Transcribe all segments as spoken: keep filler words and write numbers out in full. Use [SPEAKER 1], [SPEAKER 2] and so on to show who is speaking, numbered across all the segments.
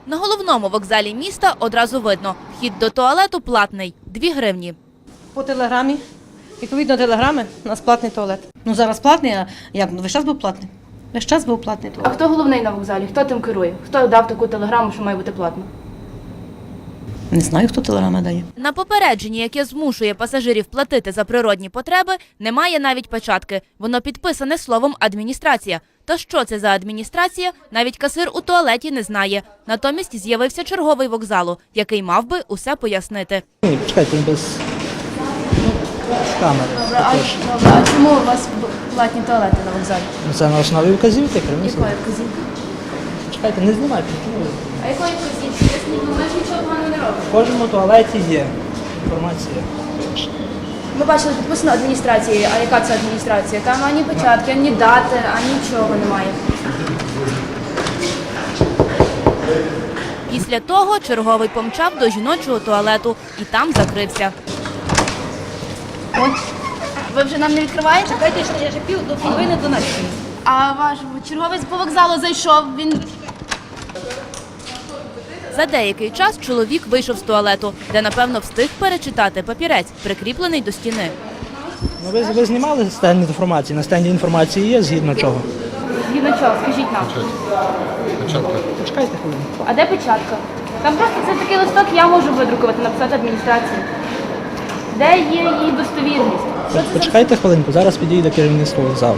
[SPEAKER 1] На головному вокзалі міста одразу видно – вхід до туалету платний – дві гривні.
[SPEAKER 2] По телеграмі. Відповідно телеграми, у нас платний туалет. Ну зараз платний, а як? Ну весь час був платний. Весь час був платний
[SPEAKER 3] А
[SPEAKER 2] туалет.
[SPEAKER 3] хто головний на вокзалі? Хто тим керує? Хто дав таку телеграму, що має бути платно?
[SPEAKER 2] Не знаю, хто телеграми дає.
[SPEAKER 1] На попередженні, яке змушує пасажирів платити за природні потреби, немає навіть печатки. Воно підписане словом «адміністрація». Та що це за адміністрація, навіть касир у туалеті не знає. Натомість з'явився черговий вокзалу, який мав би усе пояснити.
[SPEAKER 4] Ні, почекайте, без камери.
[SPEAKER 3] Добре, а, добре, а чому у вас платні туалети на вокзалі?
[SPEAKER 4] Ну, це на основі вказівки,
[SPEAKER 3] Якої
[SPEAKER 4] керівництва.
[SPEAKER 3] вказівки?
[SPEAKER 4] Чекайте, не знімайте.
[SPEAKER 3] А якої вказівки? Поясніть, бо ми ж нічого поганого не робимо.
[SPEAKER 4] В кожному туалеті є інформація.
[SPEAKER 3] Ми бачили, підписано адміністрації. А яка це адміністрація? Там ані початки, ані дати, ані нічого немає.
[SPEAKER 1] Після того черговий помчав до жіночого туалету і там закрився.
[SPEAKER 3] Ой, ви вже нам не відкриваєте?
[SPEAKER 2] Чекайте, що я ще пів до половини до нас.
[SPEAKER 3] А ваш черговець по вокзалу зайшов, він...
[SPEAKER 1] За деякий час чоловік вийшов з туалету, де, напевно, встиг перечитати папірець, прикріплений до стіни.
[SPEAKER 4] Ну, ви, ви знімали стенд інформації? На стенді інформації є, згідно чого?
[SPEAKER 3] Згідно чого? Скажіть нам.
[SPEAKER 4] Почекайте хвилину.
[SPEAKER 3] А де печатка? Там просто це такий листок, я можу видрукувати, написати адміністрації. Де є її достовірність? Що це за...
[SPEAKER 4] Почекайте хвилинку, зараз підійде керівництво вокзалу.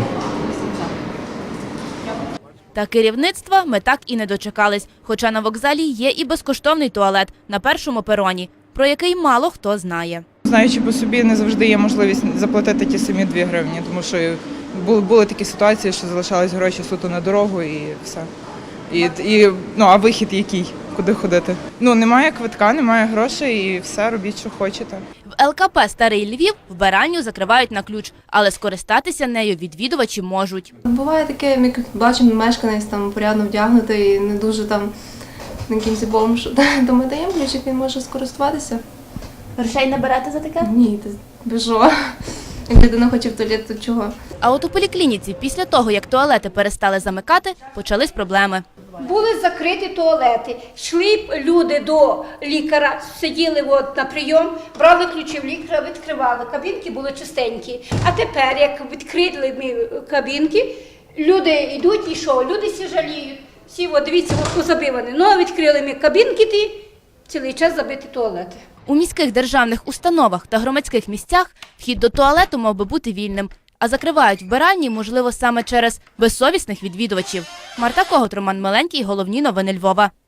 [SPEAKER 1] Та керівництва ми так і не дочекались, хоча на вокзалі є і безкоштовний туалет на першому пероні, про який мало хто знає.
[SPEAKER 5] Знаючи по собі, не завжди є можливість заплатити ті самі дві гривні, тому що були, були такі ситуації, що залишались гроші суто на дорогу і все. І, і, ну, а вихід який? Куди ходити? Ну, немає квитка, немає грошей і все, робіть, що хочете.
[SPEAKER 1] В ел ка пе «Старий Львів» вбиральню закривають на ключ, але скористатися нею відвідувачі можуть.
[SPEAKER 6] Буває таке, як бачимо, мешканець там порядно вдягнутий і не дуже там на кінці бомж, то ми даємо ключик, він може скористуватися.
[SPEAKER 3] Грошей не берете за таке?
[SPEAKER 6] Ні, ти біжо. Як людина хоче в туалет, то чого?
[SPEAKER 1] А от у поліклініці після того, як туалети перестали замикати, почались проблеми.
[SPEAKER 7] Були закриті туалети, йшли б люди до лікаря, сиділи от на прийом, брали ключі в лікаря, відкривали, кабінки були чистенькі. А тепер, як відкрили ми кабінки, люди йдуть і що? Люди всі жаліють. Всі, от, дивіться, от позабивані. Ну, відкрили ми кабінки, ті, цілий час забиті туалети.
[SPEAKER 1] У міських державних установах та громадських місцях вхід до туалету мав би бути вільним, а закривають вбиральні, можливо, саме через безсовісних відвідувачів. Марта Когут, Роман Миленький, головні новини Львова.